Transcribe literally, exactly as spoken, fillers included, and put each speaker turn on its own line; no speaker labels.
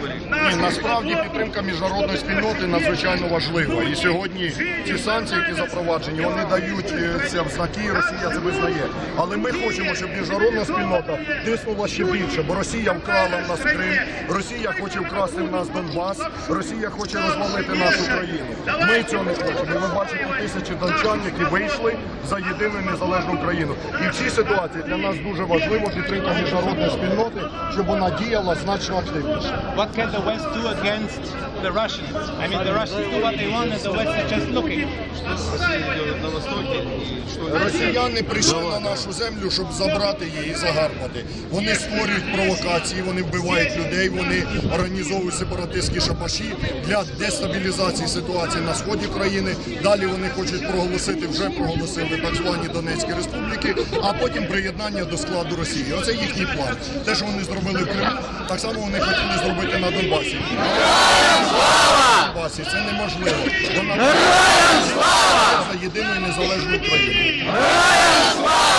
Ні, насправді підтримка міжнародної спільноти надзвичайно важлива. І сьогодні ці санкції, які запроваджені, вони дають це в знаки, Росія це визнає. Але ми хочемо, щоб міжнародна спільнота тиснула ще більше, бо Росія вкрала в нас Крим, Росія хоче вкрасти в нас Донбас, Росія хоче розвалити нашу країну. Ми цього не хочемо. І ви бачите тисячі дончан, які вийшли за єдину і незалежну країну. І в цій ситуації для нас дуже важливо підтримка міжнародної спільноти, щоб вона діяла значно активніше.
What can the West do against the Russians? I mean, the Russians do what they want and the West is just looking.
Росіяни прийшли на нашу землю, щоб забрати її і загарбати. Вони створюють провокації, вони вбивають людей, вони організовують сепаратистські шабаші для дестабілізації ситуації на сході країни. Далі вони хочуть проголосити, вже проголосили так звані Донецькі республіки, а потім приєднання до складу Росії. Оце їхній план. Те, що вони зробили в Криму, так само вони хотіли зробити на Донбасі. На Донбасі це неможливо. Вона за єдину і незалежну Україну.